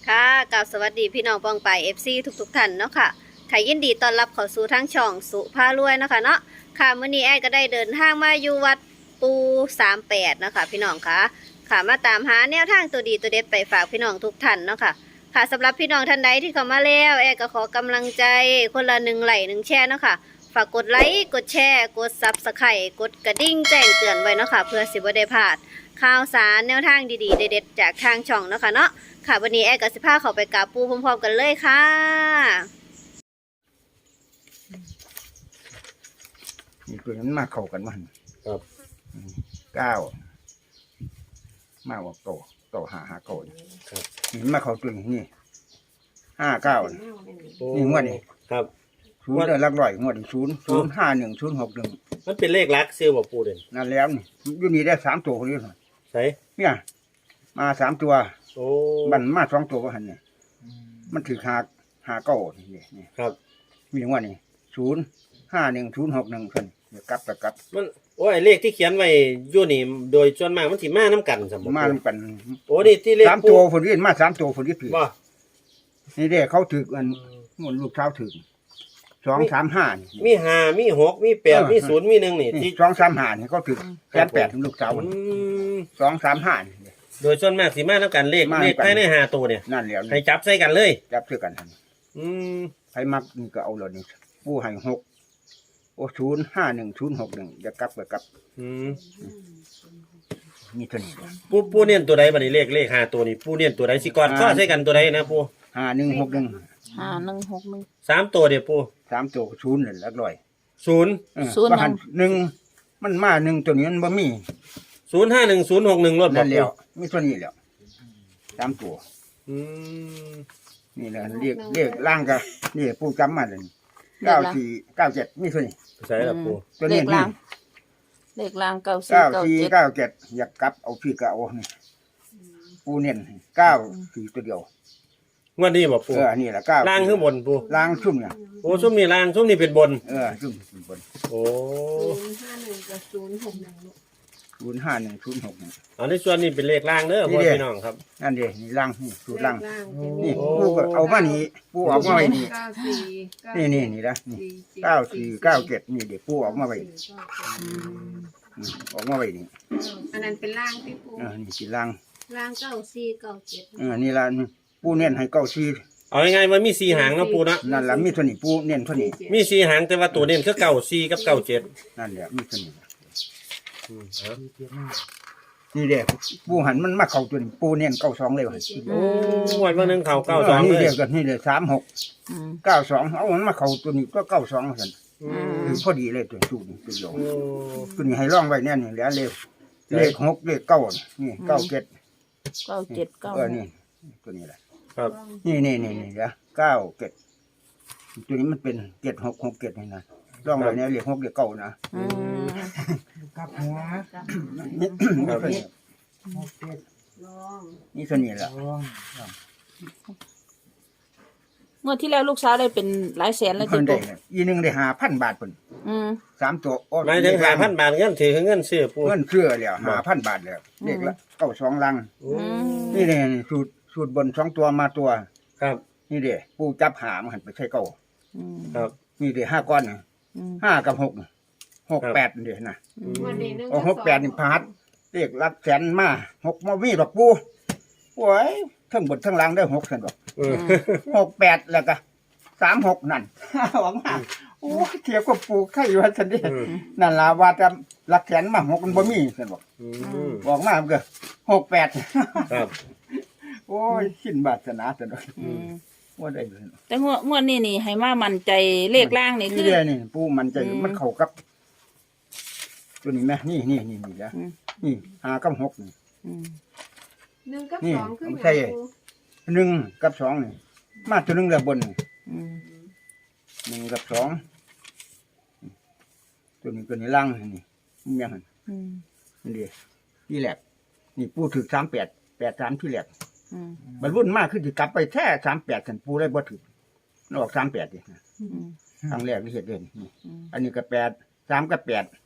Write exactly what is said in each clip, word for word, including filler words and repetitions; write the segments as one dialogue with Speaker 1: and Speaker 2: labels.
Speaker 1: ค่ะกับสวัสดีพี่น้องปองไป เอฟ ซี ทุกๆท่านเนาะค่ะค่ะยินดีต้อนรับเข้าสู่ทั้งช่องสุภารวยเนาะค่ะเนาะค่ะมื้อนี้แอดก็ได้เดินทางมาอยู่วัดปูสามแปดเนาะค่ะพี่น้องค่ะค่ะมาตามหาแนวทางตัวดีตัวเด็ดไปฝากพี่น้องทุกท่านเนาะค่ะค่ะสำหรับพี่น้องท่านใดที่เข้ามาแล้วแอดก็ขอกำลังใจคนละหนึ่งไลค์หนึ่งแชร์เนาะค่ะฝากกดไลค์กดแชร์กดซับสไครต์กดกระดิ่งแจ้งเตือนไว้เนาะค่ะเพื่อสิบ่ได้พลาดข่าวสารแนวทางดีๆเด็ดๆจากทางช่องเนาะค่ะเนาะค่ะวันนี้แอดกับสิพาเขาไปกราบปูพร้อมๆกันเลยค่ะ
Speaker 2: นี่ตัวนั้นมาเข้ากันมัน
Speaker 3: ครับ
Speaker 2: เก้ามาว่าโตโตหาหาโกน
Speaker 3: ครับ
Speaker 2: นี่มาเข้าตัวนี้นี่ห้าเก้านี่
Speaker 3: โอ้
Speaker 2: นี่งวดนี่
Speaker 3: ครับ
Speaker 2: ศูนย์เดือนลักร้อยงวดนี่ศูนย์ศูนย์ห้าหนึ่งศูนย์หกหนึ่ง
Speaker 3: มันเป็นเลขลักซิลบ่ปูเด่น
Speaker 2: นั่นแล้วนี่อยู่นี่ได้สามตัวคนนี้
Speaker 3: ใช่
Speaker 2: เนี่ยมาสามตัว
Speaker 3: โอ้
Speaker 2: มันมาสองตัวก็หันเนี่ยมันถือหาหาเก้านี่นี่
Speaker 3: ครับ
Speaker 2: มีงวดนี่ศูนย์ห้าหนึ่งศูนย์หกหนึ่งคนเดี๋ยวกลับกลับกลับ
Speaker 3: มันโอ้ยเลขที่เขียนไว้อยู่นี่โดยส่วนมากมันสิมานํกันซั่นบ่
Speaker 2: มา
Speaker 3: ปู
Speaker 2: นำกัน
Speaker 3: โอ้นี่ที่เลข
Speaker 2: สาม
Speaker 3: ปู
Speaker 2: ตัวคนนี้มาสามตัวคนนี้ถือ
Speaker 3: บ่
Speaker 2: นี่เด้เขาถือกันงวดลูกเช้าถือสองสามห้านี่
Speaker 3: มีห้ามีหกมีแปด
Speaker 2: เออ
Speaker 3: มีศูนย์มีหนึ่งนี่
Speaker 2: นี่
Speaker 3: ที่
Speaker 2: สองสามห้านี่เขาถือแสนแปดถึงลูกสาว
Speaker 3: อืม
Speaker 2: สองสามห้านี่
Speaker 3: โดยส่วนมากสิมานํกันเลข
Speaker 2: มา
Speaker 3: เล
Speaker 2: นำ
Speaker 3: ข
Speaker 2: กัน
Speaker 3: ภายในห้าตัวเนี่ย
Speaker 2: นั่นแล้ว
Speaker 3: ให้
Speaker 2: นี่
Speaker 3: จับใส่กันเลย
Speaker 2: จับซื้อกันทัน
Speaker 3: อืม
Speaker 2: ใครมักนี่ก็เอาเลยนี่ผู้ให้หกโอ้ศูนย์ห้าหนึ่งศูนย์หกหนึ่งจะกลับก็กลับ
Speaker 3: อืม
Speaker 2: มีเท่านี้
Speaker 3: ปูปูเน้นตัวใดบัดนี้เลขเลขห้าตัวนี่ปูเน้นตัวใดสิก่อนข้อใส่กันตัวใดนะปู
Speaker 2: ห้าหนึ่งหกหนึ่ง
Speaker 4: ห้าหนึ่งหกหนึ่ง
Speaker 3: สามตัวเด้อปู
Speaker 2: สามตัวศูนย์เลยลักร้อย
Speaker 3: ศูนย์
Speaker 2: เออ
Speaker 4: ศูนย์
Speaker 2: ว่าหันหนึ่งมันมาหนึ่งตัวนี้มันบ่มี
Speaker 3: ศูนย์ห้าหนึ่งศูนย์หกหนึ่งรถบ่
Speaker 2: นั่น
Speaker 3: ปู
Speaker 2: แล้วมีตัวนี้แล้วสามตัว
Speaker 3: อืม
Speaker 2: นี่แหละเรียกเรียกล่างก็นี่ผู้จำมาเลยเก้าสี่เก้าเจ็ดมีตัวนี้
Speaker 3: ใช่ละปู
Speaker 2: ตัว
Speaker 4: เล
Speaker 2: นี้
Speaker 4: ข
Speaker 2: นี่
Speaker 4: ล่างเลขล่างเก้าสี่
Speaker 2: เก้า
Speaker 4: เก้า
Speaker 2: สี่
Speaker 4: เจ็ด
Speaker 2: เก้าเจ็ดอยากกลับเอาพี่ก็เอานี่ปูเน้นเก้าสี่ตัวเดียว
Speaker 3: งวดนี้บ่ปู
Speaker 2: เออนี่แหละเก้า
Speaker 3: ล่างขึ้นบนปู
Speaker 2: ล่างชุ่มเนี่ย
Speaker 3: โอ้ซุ่มนี่ล่างซุ่มนี่เป็นบน
Speaker 2: เออชุ่มบน
Speaker 3: โอ้
Speaker 1: ศูนย์ห้าหนึ่งกับศูนย์หกหนึ่ง
Speaker 2: ศูนย์ห้าหนึ่งศูนย์หก
Speaker 3: อันนี้ส่วนนี้เป็นเลขล่างเด้อ
Speaker 2: นี่
Speaker 3: พ่อ
Speaker 2: เด้
Speaker 3: พี่น้องครับ
Speaker 2: นั่นเดีนี่ล่างนี่สูตรล่าง นี่
Speaker 3: โอ้
Speaker 2: ปูก็เอามานี่ปูออกมาไว้นี่
Speaker 1: เก้าสี่
Speaker 2: นี่นี่นี่นะนี่เก้าสี่เก้าเจ็ดนี่เดี๋ยวปูออกมาไว้นี่อืมออกมาไว้นี่
Speaker 1: อันนั้นเป็นล่างที่ปู
Speaker 2: เออนี่สีล่าง
Speaker 1: ล่างเก้าสี่เก้าเจ็ด
Speaker 2: เออนี่ละปูเน้นให้เก้าสี่
Speaker 3: เอาง่ายๆมันมีสี่หางเนาะปูเนาะ
Speaker 2: นั่นละมีตัวนี้ปูเน้นตัวนี้
Speaker 3: มีสี่หางแต่ว่าตัวเน้นคือเก้าสี่กับเก้าเจ็ด
Speaker 2: นั่นแหละมีตัวนี้
Speaker 3: อืมเอา
Speaker 2: นี่เด็กปูหันมันมาเข้าตัวนี้ปูเน้นเก้าสองเลยว่ะ
Speaker 3: โอ้งวดวันหนึงเขาเก้าสอง
Speaker 2: นี่
Speaker 3: เลย
Speaker 2: เด็กกันนี่เลยสามหก
Speaker 4: อืม
Speaker 2: เก้าสองเอามันมาเข้าตัวนี้ก็เก้าสองสัน
Speaker 3: อืม
Speaker 2: คือพอดีเลยตัวสูตรนี่ตัวเดียว
Speaker 3: โอ้
Speaker 2: ตัวนี้ให้ร่องไว้แน่นี่แล้วเลขเลขหกเลขเก้านี่เก้าเจ็ด
Speaker 4: เก้าเจ็ดเก้า
Speaker 2: เออนี่ตัวนี้แหละ
Speaker 3: ครับ
Speaker 2: นี่นี่นี่นี่นะเก้าเจ็ดตัวนี้มันเป็นเจ็ดหกหกเจ็ดนี่นะร่องไว้เนี่ยเลขหกเลขเก้านะ
Speaker 4: อืม
Speaker 5: กับหัว
Speaker 2: นี่นี่ตัวนี้
Speaker 5: หกเจ็ด
Speaker 2: นี่ตัวนี้แหละ
Speaker 5: สอง
Speaker 4: งวดที่แล้วลูกสาวได้เป็นหลายแสนเลย
Speaker 2: เพิ่
Speaker 4: จิ
Speaker 2: นได้
Speaker 4: ปุ๊
Speaker 2: เนี่ยอีหนึงได้ห้าพันบาทเพิ่น
Speaker 4: อืม
Speaker 2: สามตัวโอ้
Speaker 3: หมายถึงหาพันบาทเงินถือเงินซื้อปู
Speaker 2: เงินเชื่อแล้วห้าพันบาทแล้วเลขละเก้าสองลัง
Speaker 3: โอ้
Speaker 2: นี่เนี่ยสูตรสูตรบนสองตัวมาตัว
Speaker 3: ครับ
Speaker 2: นี่เด้ปูจับหามหันไปใช้เก้า
Speaker 4: อืม
Speaker 3: ครับ
Speaker 2: นี่เด้ห้าก้อนน่ะ
Speaker 4: อืม
Speaker 2: ห้ากับหกน่ะหกแปดเด้นะ
Speaker 1: วันนี้นึง
Speaker 2: โอ้หกแปดนี่พาดเลขลักแสนมาหกมามีดอกปูโอ้ยทั้งบนทั้งล่างได้หกสันดอก
Speaker 3: เออ
Speaker 2: หกแปดแล้วก็สามหกนั่น หวังมาโอ้ยเทียบกับปูไข่อยู่ว่าสันเดี
Speaker 3: อืม
Speaker 2: นั่นล่ะว่าจะลักแสนมาหกมันบ่มีสันบอก
Speaker 3: อืม
Speaker 2: บอกมามันก็หกแปด
Speaker 3: ครับ
Speaker 2: โอ้ยสิ้นบาสนาสันดอก
Speaker 4: อืม
Speaker 2: ว่าได้เลย
Speaker 4: แต่งวดงวดนี้นี่ให้มามั่นใจเลขล่างนี่คื
Speaker 2: นี่
Speaker 4: อ
Speaker 2: เด้นี่ปูมันใจ
Speaker 4: อืม
Speaker 2: มันเข้ากับ ตัวนี้ไหมนี่นี่นี่นี่แล้ว
Speaker 4: อืม
Speaker 2: นี่หากับหกนี่
Speaker 4: อืม
Speaker 1: หนึ่งกับ
Speaker 2: นี่
Speaker 1: สองคือ
Speaker 2: ผมใช่ หนึ่งกับสองนี่มาตัวหนึ่งแล้วบนนี่
Speaker 4: อืม
Speaker 2: หนึ่งกับสองตัวนี้ตัวนี้ล่างนี่มันยังไง
Speaker 4: อืม
Speaker 2: นี่ดิที่แหลกนี่ปูถึกสามแปดแปดสามที่แหลก
Speaker 4: อืม
Speaker 2: บรรลุนมากขึ้นจะกลับไปแค่สามแปดสันปูได้บ่ถึกนออกสามแปดดิ
Speaker 4: อืม
Speaker 2: ครั้งแรกที่เห็นเด่นนี่
Speaker 4: อืม
Speaker 2: อันนี้ก็แปดสามกับแปด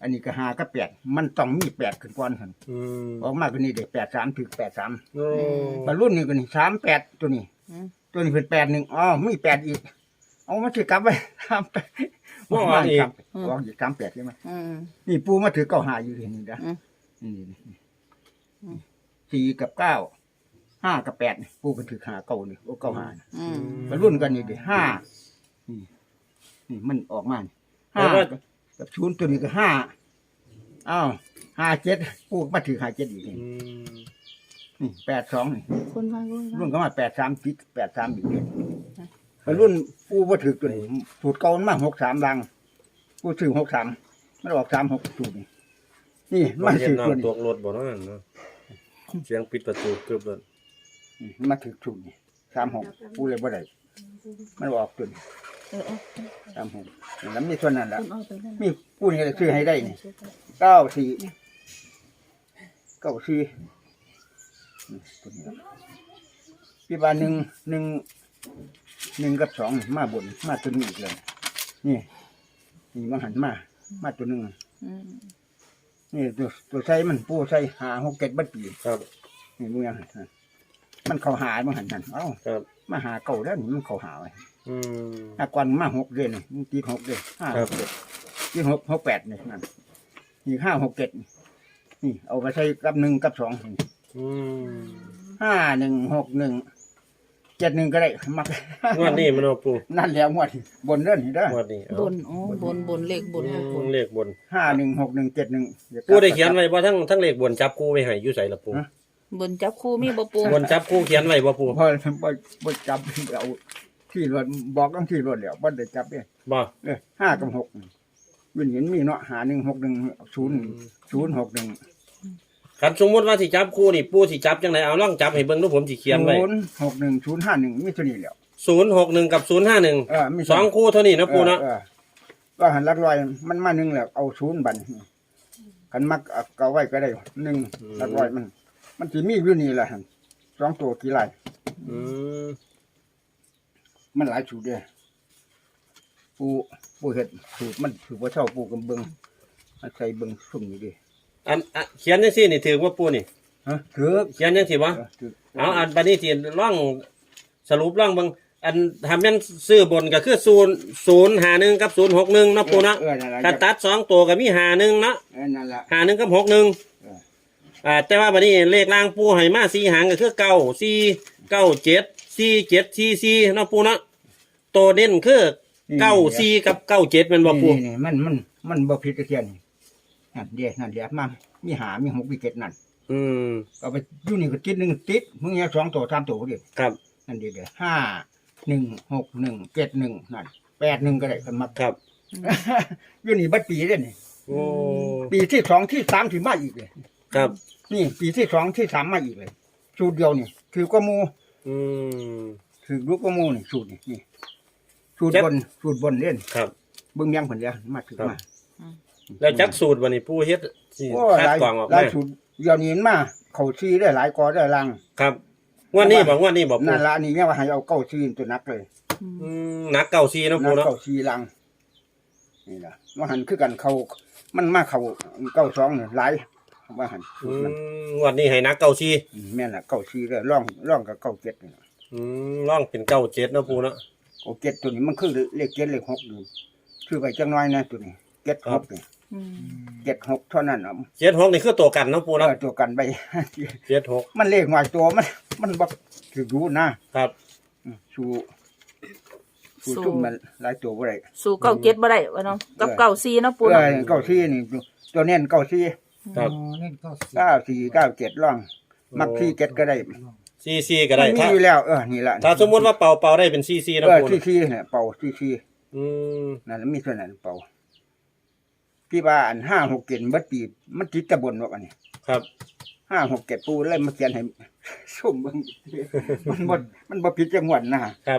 Speaker 2: อันนี้ก็ห้ากับแปดมันต้องมีแปดขึ้นก่อนหั่น
Speaker 3: อืม
Speaker 2: ออกมาก็นี่ได้แปดสามถึงแปดสาม
Speaker 3: โอ้
Speaker 2: บรรลุนี่ก็นี่สามแปดตัวนี้
Speaker 4: อืม
Speaker 2: ตัวนี้เป็นแปดหนึ่งอ๋อมีแปดอีก เอามาถือกลับไปสามแปดออกมาอีกออกอีกสามแปดใช่ไหม
Speaker 4: อืม
Speaker 2: นี่ปูมาถือเก้าหาอยู่ที่นี่นะ
Speaker 4: อืม
Speaker 2: นี่นี่สี่กับเก้าห้ากับแปดนี่ปูก็ถือหาเก้านี่โอ้เก้าหานี่
Speaker 4: อืม
Speaker 2: บรรลุกันนี่ดิห้านี่นี่มันออกมานี่ห้ากับศูนย์ตัวนี้ก็ห้าอ้าวห้าเจ็ดปูก็มาถือห้าเจ็ดอีกนี่
Speaker 3: อืม
Speaker 2: นี่แปดสองนี่
Speaker 4: คนว่าคน
Speaker 2: รุ่
Speaker 4: ว่าน
Speaker 2: ก็มาแปดสามจิตแปดสามอีกเนี่ยรุ่นปูมาถือตัวนี้สูตรเก่ามันมาหกสามลังปูถือหกสามมันออกสามหกสูตรนี่นี่
Speaker 3: มั
Speaker 2: มาน
Speaker 3: เห็น
Speaker 2: ถือ
Speaker 3: น้อ
Speaker 2: ตัว
Speaker 3: ง
Speaker 2: นี้
Speaker 3: ตัวรถบ่เนาะเนาะเสียงปิดประตูเกือบเลย
Speaker 2: นี่มาถือสูตรนี่สามหกปูเลยบ่ได้มันออกตัวนี้
Speaker 4: เออเออ
Speaker 2: สามหกแล้วมีส่วนนั้นละ
Speaker 4: คุณเอาไปนั่น
Speaker 2: มีปูนี่เลยซื้อให้ได้นี่เก้าสี่เก้าสี่นี่ตัวนี้พี่บาหนึ่งหนึ่งหนึ่งกับสองมาบนมาตัวนี้อีกเลยนี่นี่มาหันมา มาตัวหนึ่ง
Speaker 4: อืม
Speaker 2: นี่ตัวตัวใส่มันปูใส่หาหกเก็ดบัดปี
Speaker 3: ครับ
Speaker 2: นี่มึงยังหันมันเขาหามันหันหันเอ้า
Speaker 3: ครับ
Speaker 2: มาหาเก่าแล้วนี่มันเขาหาไว้
Speaker 3: อืม
Speaker 2: อากวนมาหกเดือนนี่มันตีหกเดือนห้า
Speaker 3: ครั
Speaker 2: ห
Speaker 3: บ
Speaker 2: กเดือนตีหกหกแปดนี่นั่นนี่ห้าหกเจ็ดนี่นี่เอาไปใส่กับหนึ่งกับสองนี่
Speaker 3: อืม
Speaker 2: ห้าหนึ่งหกหนึ่งเจ็ดหนึ่งก็ได้มัก
Speaker 3: งวดนี้มันเอาปู
Speaker 2: นั่นแล้วงวดนี่บนเรื่องนี่เด้อง
Speaker 3: วดนี้เอา
Speaker 4: บนอ๋อบนบนเลขบนเลขบน
Speaker 3: เลขบน
Speaker 2: ห้าหนึ่งหกหนึ่งเจ็ดหนึ่ง
Speaker 3: ปูได้เขียนไว้บ่ทั้งทั้งเลขบนจับคู่ไว้ให้อยู่ไสล่ะปู
Speaker 4: บนจับคู่มีบ่ปู
Speaker 3: บนจับคู่เขียนไว้บ่ปู
Speaker 2: พอบ่บ่จับเอาที่รถบอกต้องที่รถแล้วบ่ได้จับเด้
Speaker 3: บ่
Speaker 2: เออห้ากับหกวินเห็นมีเนาะหาหนึ่งหกหนึ่งศูนย์ศูนย์หกหนึ่ง
Speaker 3: คันสมมุติว่าสิจับคู่นี่ปูสิจับจังไดเอาลองจับให้เบิ่งดูผมสิเขียนไว้
Speaker 2: ศูนย์หกหนึ่งศูนย์ห้าหนึ่งมีตัวนี้แล้ว
Speaker 3: ศูนย์หกหนึ่งกับศูนย์ห้าหนึ่ง
Speaker 2: เออมี
Speaker 3: สองคู่เท่านี้นะปูเนาะ
Speaker 2: ออออก็หันหลักลอยมันมาหนึ่งแล้วเอาศูนย์บันกันมักเอาเก่าไว้ก็ได้หนึ่งหลักลอยมัน มันสิมีอยู่นี่แหละหั่นสองตัวกี่ไร
Speaker 3: อืม
Speaker 2: มันหลายสูตรเด้ปูปูเห็ดสูตรมันสูตรว่าเช่าปูกำเบิงมาใส่เบิงสุ่มนี่ดิ
Speaker 3: อันอ่ะเขียนจังซี่นี่ถือว่าปูนี่
Speaker 2: ฮะถือ
Speaker 3: เขียนจังซี่บ่
Speaker 2: เออถือ
Speaker 3: เอาอันบัดนี้ที่ร่องสรุปร่องเบิ่งอันทำแม่นซื้อบนก็คือศูนย์ ศูนย์ห้าหนึ่งกับศูนย์หกหนึ่งเนาะปูเนาะ
Speaker 2: เออนั่นแหละ
Speaker 3: ถ้าตัดสองตัวก็มีห้าหนึ่งเนาะ
Speaker 2: เออนั่นแหละ
Speaker 3: ห้าหนึ่งกับหกหนึ่ง
Speaker 2: เออ
Speaker 3: อ่าแต่ว่าบัดนี้เลขล่างปูให้มาสี่หางก็คือเก้าสี่เก้าเจ็ดสี่เจ็ดสี่สี่เนาะปูเนาะตัวเด่นคือเก้าสี่กับเก้าเจ็ดแมันบ่ปู
Speaker 2: นี่นี่มันมันมันบ่ผิดตะเทียนนี่นั่นเดียนั่นเดียมามีหามีหกมีเจ็ดนั่น
Speaker 3: อืม
Speaker 2: เอาไปอยู่นี่ก็ติดหนึ่งติดมึงเนี่ยสองตัวสามตัวดิ
Speaker 3: ครับ
Speaker 2: นั่นเดียเดียห้าหนึ่งหกหนึ่งเจ็ดหนึ่งนั่นแปดหนึ่งก็ได้กันมา
Speaker 3: ครับ
Speaker 2: อยู่นี่บัดปีเด้นี่
Speaker 3: โอ้
Speaker 2: ปีที่สองที่สามถึงมาอีกเลย
Speaker 3: ครับ
Speaker 2: นี่ปีที่สองที่สามมาอีกเลยสูตรเดียวนี่ถือก็มู
Speaker 3: อืม
Speaker 2: ถือลูกก็มูนี่สูตรนี่นี่สูตร
Speaker 3: เจ็ด
Speaker 2: บนสูตรบนเล่น
Speaker 3: ครับ
Speaker 2: เบิ่งยังผลแล้วมาถือมา
Speaker 3: แล้วจักสูตรวันนี้ปูเฮ็ดสิ
Speaker 2: โอ้
Speaker 3: คัด
Speaker 2: หลาย
Speaker 3: กรองออก
Speaker 2: หลาย
Speaker 3: มา
Speaker 2: สูตรเดี๋ยวนี้เห็นมาเขาซีได้หลายกอได้ลัง
Speaker 3: ครับงวันนี้บอกงวันนี้บอกปู
Speaker 2: นั่นละนี่เนี่ยว่าให้เอาเก้าซีนตัวนักเลย
Speaker 3: อืมหนักเก่าซีเนาะ
Speaker 2: นั
Speaker 3: ปู
Speaker 2: ก
Speaker 3: เนาะ
Speaker 2: เก้าซีลังนี่ล่ะว่าหันคือกันเขามันมาเขาเก้าสองเนี่ยหลายว่าหัน
Speaker 3: อืมงวันนี้ให้หนักเก่าซี
Speaker 2: อืมแม่นละเก้าซีเลยร่องร่องกับเก้าเจ็ดนี่ล่ะ
Speaker 3: อืมร่องเป็นเก้าเจ็ดเนาะปูเนาะ
Speaker 2: เก้าเจ็ดตัวนี้มันคือเลขเจ็ดเลขหกอยู่คือไปจังน้อยนะตัวนี้เจ็ดหกนี่
Speaker 4: อืม
Speaker 2: เจ็ดหกเท่านั้นอ่ะ
Speaker 3: เจ็ดหกนี่คือตัวกันเนาะปู
Speaker 2: เอ
Speaker 3: เนาะ
Speaker 2: อตัวกันไป
Speaker 3: เจ็ดหก
Speaker 2: มันเลขหน่อยตัวมัน มันบอกถือรู้นะครับ อืมสู้สู้ซุ่มมันหลายตัวบ่ได้
Speaker 4: สู่เก้าเจ็ดบ่ได้วะเนาะกับเก้าสี่เนาะปู
Speaker 2: เอ
Speaker 4: เนาะ
Speaker 2: อเก้าสี่นี่ตัวเน้นเก้าสี่
Speaker 3: ครับ
Speaker 5: อ๋อเล่นเก้าสิบ
Speaker 2: เก้าสี่เก้าเจ็ดร่อง มักที่เจ็ดก็ได้
Speaker 3: ซีซีก็ได้
Speaker 2: มันมี
Speaker 3: ถ้า
Speaker 2: อยู่แล้วเออนี่ละ
Speaker 3: ถ้าสมมติว่าเป่าเป่าได้เป็นซีซี
Speaker 2: เอ
Speaker 3: เนาะ
Speaker 2: อ
Speaker 3: ปู
Speaker 2: ที่
Speaker 3: เนาะ
Speaker 2: สี่เนี่ยเป่าที่สี่
Speaker 3: อืม
Speaker 2: นั่นแล้วมีส่วนนั้นเป่าที่ว่าอันห้าหกเจ็ดเบิดปีมันติดตะบนว่าอันนี้
Speaker 3: ครับ
Speaker 2: ห้าหกเจ็ดปูเลยมาเขียนให้ ส้มเบิ่ง มันบ่มันบ่ผิดจังหวัดนะครับ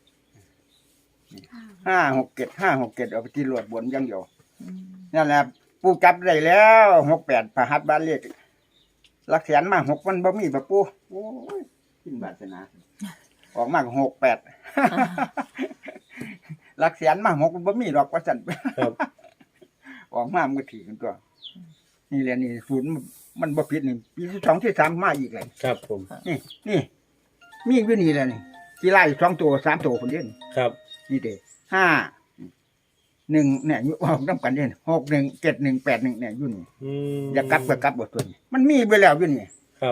Speaker 2: ห้าหกเจ็ดห้าหกเจ็ดเอาไปที่รวดบนอยังเดียว
Speaker 4: อืม
Speaker 2: นั่นแหละปูจับได้แล้วหกแปดพระหัตถ์บ้านเลขหลักแสนมาหกมันบ่มีปะปูโอ้ยขึ้นบาสนาออกมาหกแปด หลักแสนมาหกมันบ่มีดอกว่าซั่น
Speaker 3: ครับ
Speaker 2: ออกมามันก็ถีกันตัวนี่แหละนี่ศูนย์มันมันบ่ผิดนี่ปีที่สองที่สามมาอีกเลย
Speaker 3: ครับผม
Speaker 2: นี่นี่มีอีกอยู่นี่แหละนี่ที่ไล่สองตัวสามตัวคนเดียวนี่
Speaker 3: ครับ
Speaker 2: นี่เด้ห้าหนึ่งเนี่ยอยู่ออกน้ำกันเด่นหกหนึ่งเจ็ดหนึ่งแปดหนึ่งเนี่ยอยู่นี่
Speaker 3: อืม
Speaker 2: อย่ากลับก็กลับบทตัวนี้มันมีไปแล้วอยู่นี่
Speaker 3: ครับ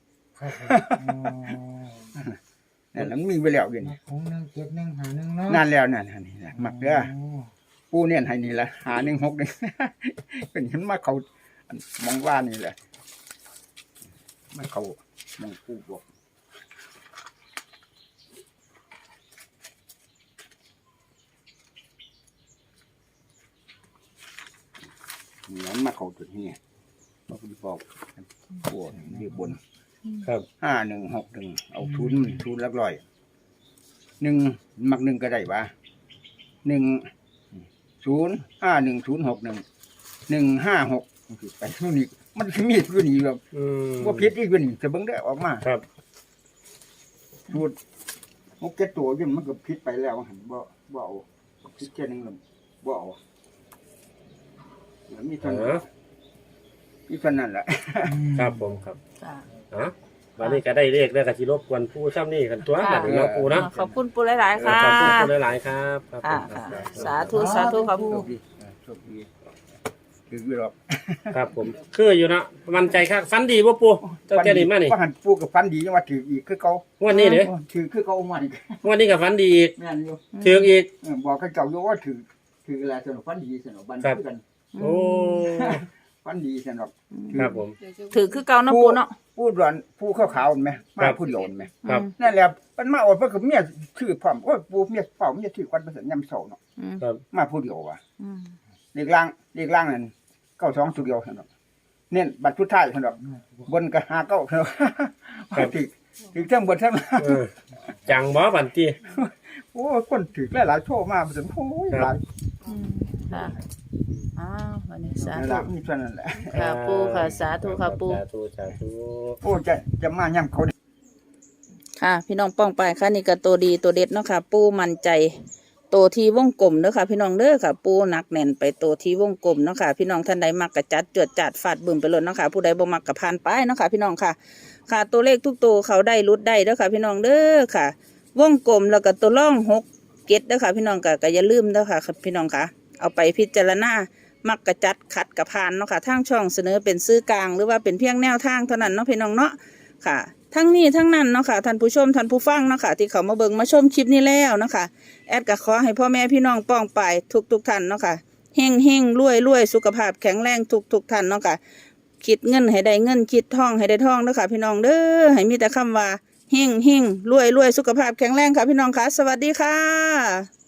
Speaker 2: นั่นแหละมันมีไปแล้วอยู่นี่
Speaker 5: ของหนึ่งเจ็ดหนึ่งหาหนึ่งเนาะ
Speaker 2: นั่นแล้วนั่นอันนี่แหละมักเด้อปูเนี่ยให้นี่แหละหาหนึ่งหกหนึ่ง เป็นเห็นมาเขาอันมองว่านี่แหละมาเขามองปูบอกเหมือนมาเขาจุดนี้บอกบอกปวดยืบบน
Speaker 3: ครับ
Speaker 2: ห้าหนึ่งหกหนึ่งเอาทุนมันทุนลักร้อยหนึ่งมักหนึ่งก็ได้วะหนึ่งศูนย์ห้าหนึ่งศูนย์หกหนึ่งหนึ่งห้าหกไปนู่นนี่มันมีอยู่นี่แบบ
Speaker 3: อืม
Speaker 2: ว่าพิษอีกอยู่นี่จะเบิ่งได้ออกมา
Speaker 3: ครับ
Speaker 2: สูตรหกเจ็ดตัวอยิ่มันก็พิษไปแล้วหันบ่บ่เอาพิษแค่นึงเลยบ่เอาแล้วมีเท่านั้น
Speaker 3: อ๋อ
Speaker 2: มีเท่านั้นแหละ
Speaker 3: ครับผมครับ
Speaker 4: จ้ะ
Speaker 3: อ๋อวันนี้ก็ได้เลขแล้วก็สิรบกวนผู้ซ้ำนี่กันตัวบัดนี้เนาะปูเนาะ
Speaker 4: ขอบคุณปูหลายๆค่ะ
Speaker 3: ขอบคุณปูหลายๆครับครับผ
Speaker 4: ค่ะ
Speaker 3: มค
Speaker 4: ค่ะ
Speaker 3: รับ
Speaker 4: สาธุสาธุครับ
Speaker 2: โช
Speaker 4: ปู
Speaker 2: คดีเออโชคดีถืออยู่หรอก
Speaker 3: ครับผมคืออยู่เนาะมั่นใจครับฟันดีบ่ปูเจ้าแก่นี่มานี่
Speaker 2: ว่าหันปูกับฟันดีจังว่าถืออีกคือเขา
Speaker 3: งวันนี้เด้อ
Speaker 2: ถือคือเขาเอามาอีก
Speaker 3: งวันนี้ก็ฟันดีอีก
Speaker 2: แม่นอยู่
Speaker 3: ถืออีก
Speaker 2: เออบอกกับเจ้าอยู่ว่าถือถืออะไรสนุกฟันดีสนุกบัน
Speaker 3: ครับ
Speaker 2: คือกัน
Speaker 3: โอ้
Speaker 2: ฟันดีสนุก
Speaker 3: ครับผม
Speaker 4: ถือคือเก่าเนาะปูเนาะ
Speaker 2: ผู้ดอนผู้ขาวขาวๆไหม
Speaker 3: ครั
Speaker 2: มา
Speaker 3: บ
Speaker 2: ผู้เดียวไหม
Speaker 3: ครับ
Speaker 2: นั่นแหละมันมาอดเพื่อกับเมียชื่อพร้อมโอ้ยปูเมียเฝ้าเมียชื่อควันประเสริฐยำเสาเนาะ
Speaker 4: อืม
Speaker 3: ครับ
Speaker 2: มาผู้เดียวว่ะ
Speaker 4: อืม
Speaker 2: เรียกล่างเรียกล่างนั่นเก้าสองตัวเดียวสนุกเน้นบัตรชุดท้ายสนุกบนก็หาเก้าสนุก
Speaker 3: ครับ
Speaker 2: ถือถือทั้งบนทั้งล่าง
Speaker 3: เออจังบ่บันที
Speaker 2: โอ้ยคนถือหลายๆโชว์มาเป็นโอ้ยหลาย
Speaker 4: อืมค่ะอ้าววันนี้สา
Speaker 2: นั่น
Speaker 4: ธุ
Speaker 2: แหละมีเท่านั้นแหละ
Speaker 4: ค่ะปูค่ะสาธุค่ะปู
Speaker 3: สาธุสาธุ
Speaker 2: โอ้จะจะมาย่ำเขา
Speaker 4: ค่ะ พี่น้องป้องไปค่ะนี่ก็ตัวดีตัวเด็ดเนาะค่ะ ปูมั่นใจตัวที่วงกลมเด้อค่ะ พี่น้องเด้อค่ะ ปูหนักแน่นไปตัวที่วงกลมเนาะค่ะ พี่น้องท่านใดมักกระจัดจวดจัดฟาดบึ้มไปเลยเนาะค่ะ ผู้ใดบ่มักกระพานไปเนาะค่ะ พี่น้องค่ะ ค่ะตัวเลขทุกตัวเขาได้รุดได้เด้อค่ะ พี่น้องเด้อค่ะ วงกลมแล้วก็ตัวล่องหกเก็ดเด้อค่ะ พี่น้องก็ก็อย่าลืมเด้อค่ะ พี่น้องค่ะ เอาไปพิจารณามักกระจัดขัดกระพานเนาะค่ะทางช่องเสนอเป็นซื้อกลางหรือว่าเป็นเพียงแนวทางเท่านั้นเนาะพี่น้องเนาะค่ะ ทั้งนี้ทั้งนั้นเนาะค่ะท่านผู้ชมท่านผู้ฟังเนาะค่ะที่เขามาเบิ่งมาชมคลิปนี้แล้วเนาะค่ะแอดก็ขอให้พ่อแม่พี่น้องป้องไปทุกทุกๆท่านเนาะค่ะเฮงเฮงรวยรวยสุขภาพแข็งแรงทุกทุกๆท่านเนาะค่ะคิดเงินให้ได้เงินคิดทองให้ได้ทองเนาะค่ะพี่น้องเด้อให้มีแต่คำว่าเฮงเฮงรวยรวยสุขภาพแข็งแรงค่ะพี่น้องค่ะสวัสดีค่ะ